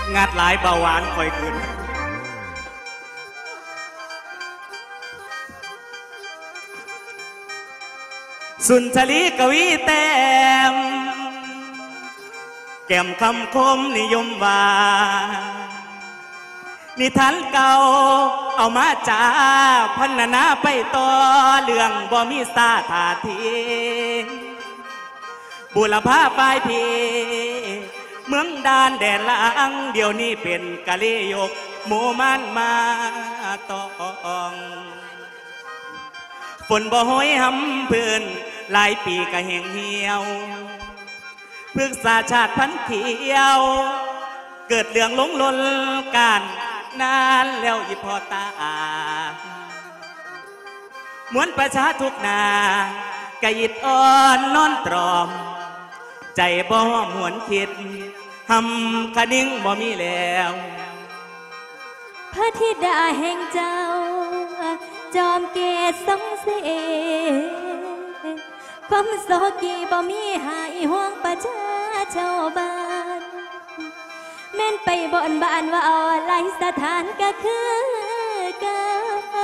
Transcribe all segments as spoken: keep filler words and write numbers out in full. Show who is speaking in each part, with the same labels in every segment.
Speaker 1: งัดหลายเบาหวานคอยขึ้นสุนทรีกวีแต้มแก้มคำคมนิยมว่านิทานเก่าเอามาจ่าพันนาไปต่อเรื่องบ่มีสาถาทีบุรพาปลายพีเมืองดานแดนล่างเดี๋ยวนี้เป็นกะลียกหมู่มันมาตองฝนบ่ห้อยหำพื้นหลายปีก็แห้งเหี่ยวพฤกษาชาติพันเขียวเกิดเรื่องหลงลนการนานแล้วอีพอตามวนประชาทุกนากะยิดอ่อนนอนตรอมใจบ่หวนคิดหำคะนิ่งบ่มีแล้ว
Speaker 2: พระธิดาแห่งเจ้าจอมเกศสงเสความโศกีบ่มีหายห่วงประชาชาวบ้านแม่นไปบ่อนบ้านว่าเอาหลายสถานก็คือเก่า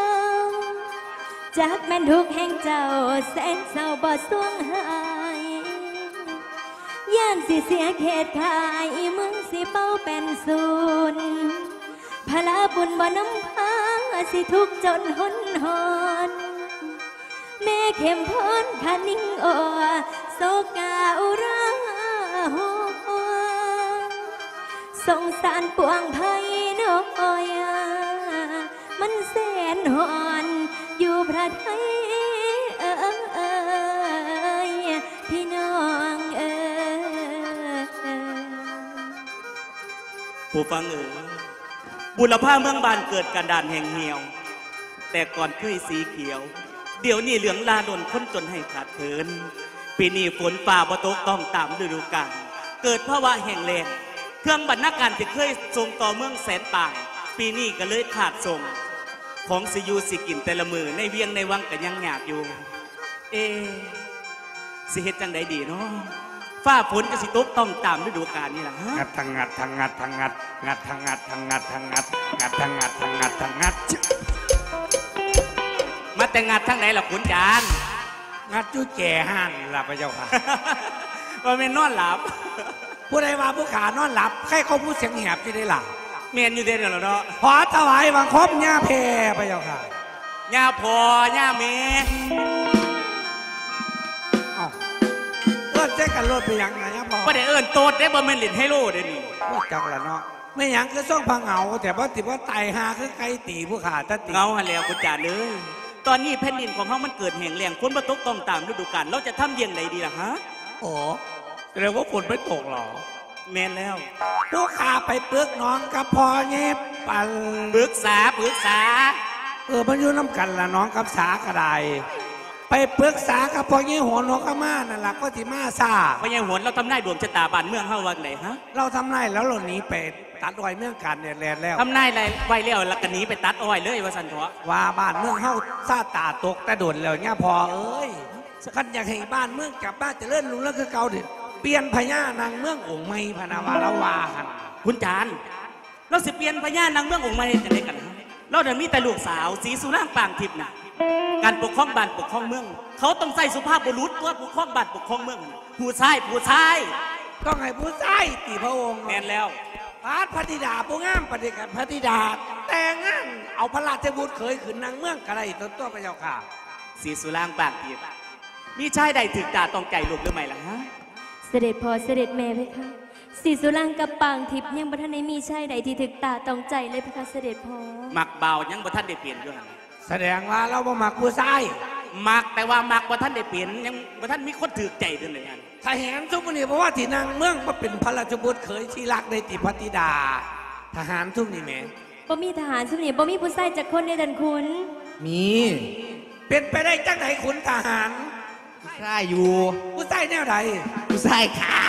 Speaker 2: จากแม่นทุกแห่งเจ้าแสนเศร้าบ่สวงหายย่านสิเสียเขตขายมึงสิเป้าเป็นศูนย์พลาบุญบ่น้ำพาสิทุกจนหนหอนแม่เข้มพ้นขานิ่งโอโศกาอุราหัวสงสารปวงไพ่น้อยมันแสนหอนอยู่พระไทยเอ้ยพี่น้องเอ้ย
Speaker 1: ผู้ฟังเอ๋ยบุรพาเมืองบานเกิดกันดานแห่งเหี่ยวแต่ก่อนเคยสีเขียวเดี๋ยวนี้เหลืองลาดนค้นจนให้ขาดเถินปีนี้ฝนฝ่าบ่ตกต้องตามฤดูกาลเกิดภาวะแห้งแล้งเครื่องบรรณาการที่เคยส่งต่อเมืองแสนป่างปีนี้ก็เลยขาดส่งของสิยูสิกินแต่ละมือในเวียงในวังก็ยังหยาบอยู่เอสิเฮ็ดจังใดดีเนาะฟ้าฝนก็สิตกต้องตามฤดูกาลนี่ล่ะฮะ
Speaker 3: งัดทางงัดทางงัดทางงัดงัดทางงัดทางงัดทางงัดงัดทางงัดทางงัดทางงัด
Speaker 1: มาแต่งัดทางไหนล่ะขุนจาน
Speaker 3: งัดจุ้แก่ห้านล่ะพระเจ้าค่ะ
Speaker 1: ว่าแม่นนอนหลับ
Speaker 3: ผู้ใดว่าผู้ขานอนหลับใครเขาพูดเสียงแหบจะได้หลับ
Speaker 1: เมียนอยู่เด่นแล้วเนาะ
Speaker 3: ขอถวายบังคมย่าเพพระเจ้าค่ะ
Speaker 1: ย่าพ่อย่าเมย์
Speaker 3: อ้าวเอิ้นแจ้กันรถไปยังไงย่าพ่อ
Speaker 1: ไม่ได้เอิ้นโตดได้บ่แม่นเล่นไฮโลเด้นี่
Speaker 3: ว่าจังละเนาะไม่ยังคือส่องพังเหงาแต่ว่าติว่าไตหาคือไก่ตีผู้ขาตะตี
Speaker 1: เงาหันแล้วคุณจ่าเลยตอนนี้แผ่นดินของเขามันเกิดแห้งแล้งฝนบ่ตกต้องตามฤดูกาลเราจะทำเยี่ยงใดดีล่ะฮะ
Speaker 3: โอ้แสดงว่าฝนไม่ตกหรอ
Speaker 1: แม่นแล้ว
Speaker 3: ผู้ขาไปปึกน้องกับพอเงียบปัน
Speaker 1: ปรึกษาปรึกษา
Speaker 3: เออมันอยู่น้ำกันละน้องกับสากระไดไปปรึกษากับพอเงียบหัวน้องก็มานั่นแหละก็ที่มาซา
Speaker 1: พอเงียบหัวเราทำนายดวงชะตาบ้านเมืองเฮาวันไหนฮะ
Speaker 3: เราทำนายแล้วเราหนีไปตัดอ้อยเมืองกันเนี่ยแลนแล้ว
Speaker 1: ทำนายอะไรไว้แล้วแล้วก็หนีไปตัดอ้อยเลยว่าสันเถาะ
Speaker 3: ว่าบ้านเมืองเฮาซาตาตกแต่โดนแล้วเนี่ยพอเอ้ยขันอยากให้บ้านเมืองกลับบ้านจะเลื่อนลุงแล้วคือเก่าเด็ดเปลี่ยนพญานางเมืององค์ไม่พนาวาละวาหัน
Speaker 1: คุณจานเราสิเปลี่ยนพญานางเมืององค์ไม่จะได้กันฮะเราเดี๋ยวมีแต่ลูกสาวสีสุร่างปางทิพย์นะการปกครองบ้านปกครองเมืองเขาต้องใส่สุภาพบุรุษตัวปกครองบ้านปกครองเมืองผู้ชายผู้ชาย
Speaker 3: ต้องให้ผู้ชายตีพระองค์
Speaker 1: แม่นแล้ว
Speaker 3: พระพระธิดาผู้งามปฏิกันพระธิดาแต่งงานเอาพระราชบุตรเคยขึ้นนางเมืองกระไรตัวตัวพระเจ้าค่ะ
Speaker 1: สีสุร่างปางทิพย์มีชายใดถึงตาต้องใจลูกหรือไม่ล่ะฮะ
Speaker 2: เสด็จพ่อเสด็จแม่เพคะสีสุรางกับปางทิพย์ยังบ่ทันได้มีชายใดที่ถึกตาต้องใจเลยเพคะเสด็จพ่อ
Speaker 1: มักเบายังบ่ทันได้เปลี่ยนอยู่หั่น
Speaker 3: แสดงว่าเราบ่มักผู้ชาย
Speaker 1: มักแต่ว่ามักบ่ทันได้เปลี่ยนยังบ่ทันมีคนถึกใจเท่านั้น
Speaker 3: ถ้าเห็นทุกคนนี่เพราะว่าที่นางเมืองมาเป็นพระราชบุตรเคยที่รักในติพระธิดาทหารทุกนี่แม่
Speaker 2: บ่มีทหารทุกนี่บ่มีผู้ชายจักคนในดันคุณ
Speaker 3: มีเป็นไปได้จังไหนขุนทหาร
Speaker 1: ใช่อยู่
Speaker 3: ผู้ชายแนวใด
Speaker 1: ผู้ชายขา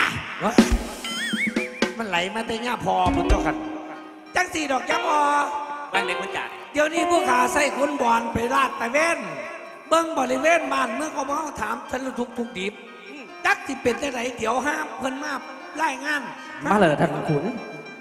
Speaker 3: มันไหลมาแต่ย่าพอมันเจ้ากันจังสี่ดอกจังพ
Speaker 1: อบางเด็กคนจัด
Speaker 3: เดี๋ยวนี้ผู้ขาใส่ขุนบอลไปลาดตะเวนเบิ้งบริเวณบ้านเมื่อเขามาถามฉันทุกทุกดิบจักที่เป็นจังไหนเดี๋ยวห้ามเพิ่นมาไล่งาน
Speaker 1: มาเลยท่านขุน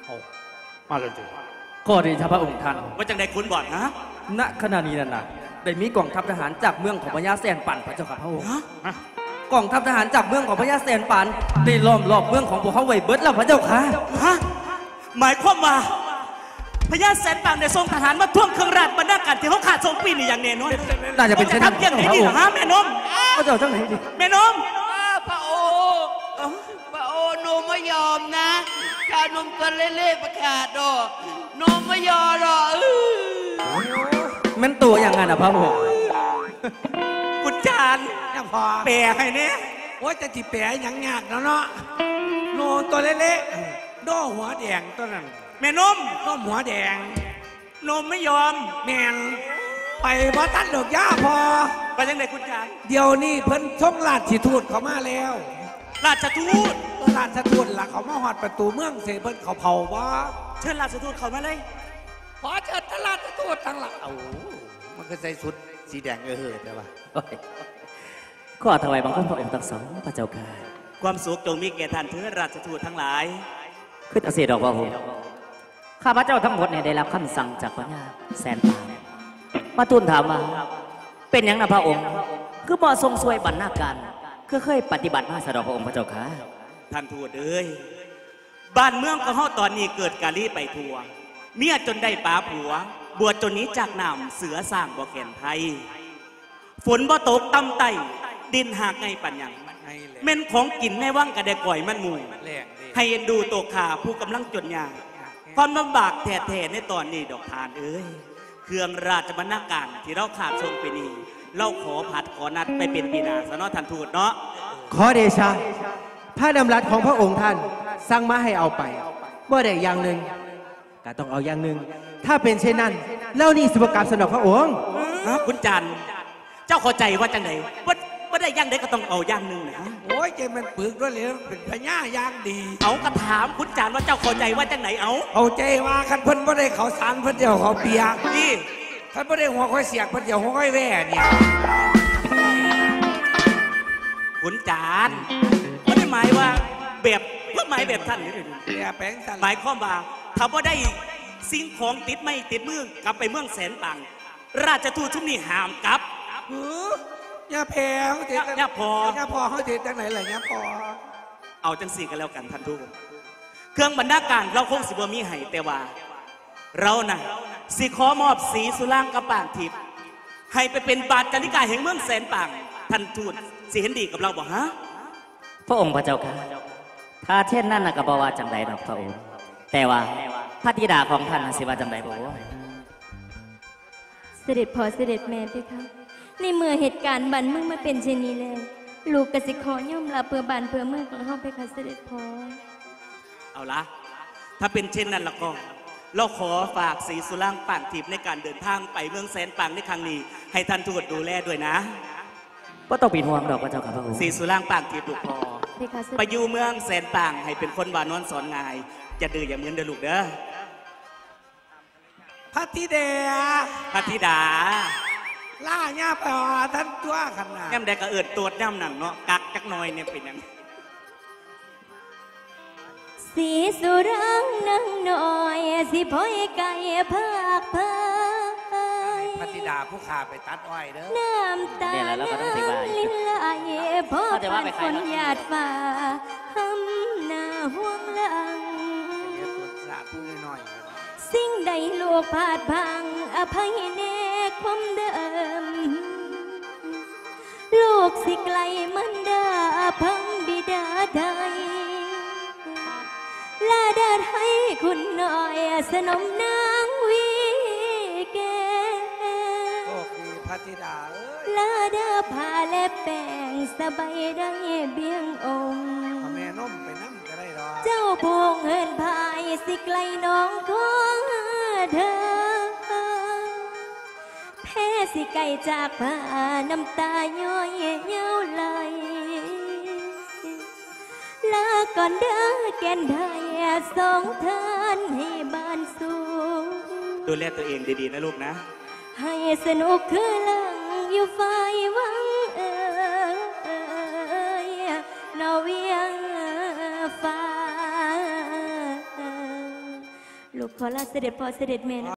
Speaker 3: เอามาเลยจ้ะ
Speaker 4: ขอเดชะพระองค์ท่าน
Speaker 1: ว่าจังใดคุณบอกนะ
Speaker 4: ณขณะนี้นั่นน่ะได้มีกองทัพทหารจากเมืองของพญาแสนปันพระเจ้าค่ะพระองค์
Speaker 1: ฮะ
Speaker 4: กองทัพทหารจากเมืองของพญาแสนปันได้ล้อมรอบเมืองของพวกเขาไว้เบิดแล้วพระเจ้าค่ะ
Speaker 1: ฮะหมายความว่าพญาแสนปางได้ส่งทหารมาท่วงเครื่องราชบรรณาการที่เขาขาดส่งปีนี่อย่างแน่นอน
Speaker 4: น่าจะเป็นเช่นนั้น
Speaker 1: ทำอย่างนี้ดีเหรอฮะแม่นม
Speaker 4: พระเจ้าทั้งไหนดิ
Speaker 1: แม่นม
Speaker 5: พระโอพระโอหนูไม่ยอมนะชาวนมตัวเล่ๆประกาศดอกหนูไม่ยอมหรอกอื้อ
Speaker 4: แมันตัวอย่างนั้นนะพระองค์
Speaker 1: คุณจาน
Speaker 3: เนี่ยพอ
Speaker 1: แปลให้เนี่ย
Speaker 3: โอ้ยจะจิแปะหยังยากแล้วเนาะโนตัวเล็กๆโดหัวแดงตัวนั้น
Speaker 1: แม่นม
Speaker 3: โดหัวแดง
Speaker 1: นมไม่ยอม
Speaker 3: แมนไปบ่ตันดอกย่าพอ
Speaker 1: ไปจังใดคุณจาน
Speaker 3: เดี๋ยวนี้เพิ่นท่องราชทูตเขามาแล้ว
Speaker 1: ราชทูต
Speaker 3: ราชทูตล่ะเขามาหอดประตูเมืองเสเพิ่นเขาเผาว่า
Speaker 1: เชิญราชทูตเข้ามาเลย
Speaker 3: ขอเชิญท่านราชทูตทั้งหลังเอามันก็ใส่ชุดสีแดงเออเฮ้แต่ว่า
Speaker 4: ขอถวายบังคมพระองค์ทั้งสองพระเจ้าค่ะ
Speaker 1: ความสุขจงมีแก่ท่านเถิดราชทูตทั้งหลาย
Speaker 4: ขึ้นอาเสดอกพระองค์ข้าพระเจ้าทั้งหมดเนี่ยได้รับคำสั่งจากพญาแสนปานมาทูลถามว่าเป็นอย่างนะพระองค์ คือบ่ทรงสวยบรรณาการคือเคยปฏิบัติมาสะดอกพระองค์พระเจ้าค่ะ
Speaker 1: ท่านทูตเอ้ยบ้านเมืองของเฮาตอนนี้เกิดกาลีไปทั่วเมียจนได้ป้าผัว บวชจนหนี้จากน้ำเสือสร้างบ่แก่นไทย ฝนบ่ตกต่ำไตดินหากไงปัญญังเม่นของกินในว่างกระเดก่อยมันหมู่ให้เอ็นดูโตขาผู้กำลังจนยากความลำบากแท้ๆในตอนนี้ดอกทานเอ้ยเครื่องราชบรรณาการที่เราขาดทรงไปนี้เราขอผัดขอนัดไปเป็นปีนาซะเนาะท่านทูตเนาะ
Speaker 6: ขอเดชะพระดำรัสของพระองค์ท่านสั่งมาให้เอาไปเมื่อใดอย่างหนึ่งก็ต้องเอาอย่างหนึ่งถ้าเป็นเช่นนั้นเล่านี่สุภกรรมสนองพระองค์
Speaker 1: ฮะคุณจันทร์เจ้าเข้าใจว่าจังไหนว่าว่าได้ย่างใดก็ต้องเอาย่างหนึ่งนะ
Speaker 3: โอ้ยเจมันปึกด้วยเลยเป็นพญายางดี
Speaker 1: เอากระถามคุณจันทร์ว่าเจ้าเข้าใจว่าจังไหนเอา
Speaker 3: เอาใจว่าคันเพิ่นบ่ได้เขาสารเพิ่นเดียวเขาเปียก
Speaker 1: นี่
Speaker 3: คันบ่ได้หัวค่อยเสียกเพิ่นเดียวหัวค่อยแว่เนี่ย
Speaker 1: คุณจันทร์ไม่ได้หมายว่าแบบเพื่อหมายแบบท่านนี่เลย
Speaker 3: เปียแปลงสัน
Speaker 1: หมายความว่าถ้าว่าได้สิ่งของติดไม่ติดมือกลับไปเมืองแสนปัง ราชทูตชุมนี้ห้ามกลับ
Speaker 3: เออย่าแพ้เขาเท
Speaker 1: ย่าพอ
Speaker 3: ย่าพอเขาเทจังไหนล่ะย่าพอ
Speaker 1: เอาจังสี่กันแล้วกันท่านทูตเครื่องบรรณาการเราคงสิบ่มีให้แต่ว่า เราน่ะสิขอมอบสีสุรางกระป่างทิพย์ให้ไปเป็นบาทจาริกาแห่งเมืองแสนปังท่านทูตสิเห็นดีกับเราบ่ฮะ
Speaker 4: พระองค์พระเจ้าค่ะถ้าเช่นนั้นนะก็บอกว่าจังใดดอกพระองค์แต่ว่าพระธิดาของท่านน่ะสิว่าจังใดบ่ว่า
Speaker 2: เสด็จพ่อเสด็จแม่เพคะในเมื่อเหตุการณ์บันเมืองมาเป็นเช่นนี้แล้วลูกกสิขอย่อมรับเพื่อบ้านเพื่อเมืองของเฮาเพคะเสด็จพ่อ
Speaker 1: เอาละถ้าเป็นเช่นนั้นแล้วก็เราขอฝากสีสุรางป่างทิพย์ในการเดินทางไปเมืองแสนปังในครั้งนี้ ให้ท่านทูตดูแลด้วยนะ
Speaker 4: บ่ต้องเป็นห่วงดอกพระเจ้าค่ะพระองค์
Speaker 1: สีสุรางป่างทิพย์ลูกพอ
Speaker 2: เพคะเสด็จ
Speaker 1: ไปอยู่เมืองแสนปังให้เป็นคนวานอนสอนงายอย่าดื้ออย่าเหมือนเด้อลูกเด้อ
Speaker 3: พระธิเดา
Speaker 1: พระธิดา
Speaker 3: ล่าย่าพอท่านตัวขนาด
Speaker 1: แง่มได้ก็เอิดตัวจย่ำหนังเนาะกักจักหน่อยเนี่ยเป็นหยัง
Speaker 2: สีสุรังนั่งน้อยสิพ่อยไก่ภาคพาย
Speaker 3: พระธิดาผู้ขาไปตัดอ้อยเด้อ
Speaker 2: น้ำตา
Speaker 4: เนี่ยแหละเราก็ต้องสิว่า
Speaker 2: ลิ้นไหลพ่อ
Speaker 4: เขาจะว่า
Speaker 2: ผ่าน
Speaker 4: ไปใค
Speaker 2: ฝ
Speaker 4: ร
Speaker 2: น
Speaker 4: เนาะ
Speaker 2: หยาดฟ้าหำหน้าห่วงหลัง
Speaker 3: เดี๋ยวตรวจสอบผู้น้อย
Speaker 2: สิ่งใดลูกพลาดพลังอภัยแน่ความเดิม ลูกสิไกลมันดาพังบิดาใดลาดาให้คุณหน่อยสนมนางวีแก
Speaker 3: โชคดีพระธิดาเอ้ย
Speaker 2: ลาดาผ้าและแป้งสบายได้เบี้ยงองค์
Speaker 3: เอาแม่นมไปนั่งก็ได้ดอก
Speaker 2: เจ้าพงเฮินพายสิไกลน้องของเธอแพ้สิไกลจากผ้าน้ำตาย้อยเย้าไหลลาก่อนเด้อแก่นไทยสองท่านให้บ้านสูง
Speaker 1: ดูแลตัวเองดีๆนะลูกนะ
Speaker 2: ให้สนุกคือลังอยู่ฝ่ายหวังเอ่ยนอเวียงฟ้าลูกขอลาเสด็จพ่อเสด็จแม่นะ